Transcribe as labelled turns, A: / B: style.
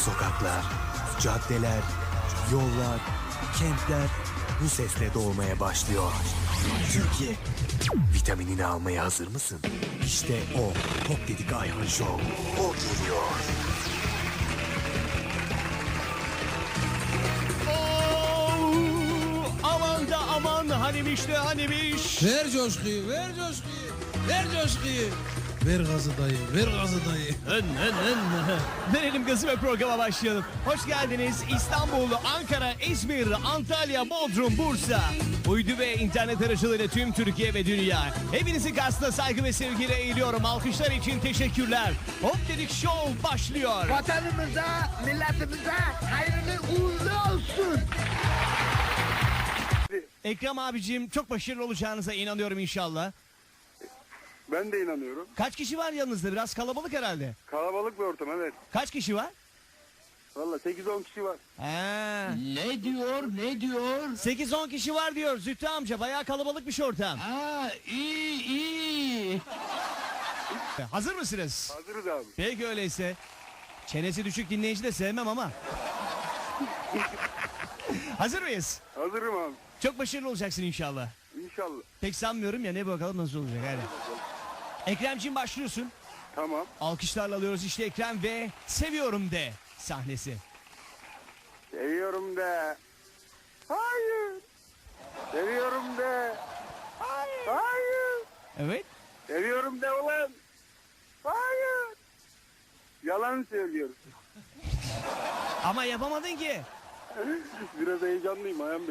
A: Sokaklar, caddeler, yollar, kentler bu sesle doğmaya başlıyor. Türkiye, vitaminini almaya hazır mısın? İşte o, Pop Dedik Ayhan Show. O geliyor.
B: Aman da aman hanimiş de hanimiş.
C: Ver coşkuyu, ver coşkuyu, ver coşkuyu. Ver gazı dayı, ver gazı dayı.
B: Verelim gazı ve programa başlayalım. Hoş geldiniz İstanbul, Ankara, İzmir, Antalya, Bodrum, Bursa. Uydu ve internet aracılığıyla tüm Türkiye ve dünya. Hepinizi karşısında saygı ve sevgiyle eğiliyorum. Alkışlar için teşekkürler. Hop Dedik Show başlıyor.
D: Vatanımıza, milletimize hayırlı uğurlu olsun.
B: Ekrem abicim çok başarılı olacağınıza inanıyorum inşallah.
E: Ben de inanıyorum.
B: Kaç kişi var yanınızda? Biraz kalabalık herhalde.
E: Kalabalık bir ortam, evet.
B: Kaç kişi var?
E: Valla 8-10 kişi var.
B: Ha.
C: Ne diyor, ne diyor?
B: 8-10 kişi var diyor Zühtü amca. Bayağı kalabalıkmış ortam.
C: Ha, iyi, iyi.
B: Hazır mısınız?
E: Hazırız abi.
B: Peki öyleyse. Çenesi düşük dinleyici de sevmem ama. Hazır mıyız?
E: Hazırım abi.
B: Çok başarılı olacaksın inşallah.
E: İnşallah.
B: Pek sanmıyorum ya, ne bakalım nasıl olacak hadi. Ekremciğim başlıyorsun.
E: Tamam.
B: Alkışlarla alıyoruz işte Ekrem ve Seviyorum De sahnesi.
E: Seviyorum de. Hayır. Seviyorum de. Hayır.
B: Evet.
E: Seviyorum de ulan. Hayır. Yalan söylüyorsun.
B: Ama yapamadın ki.
E: Biraz heyecanlıyım ayağım.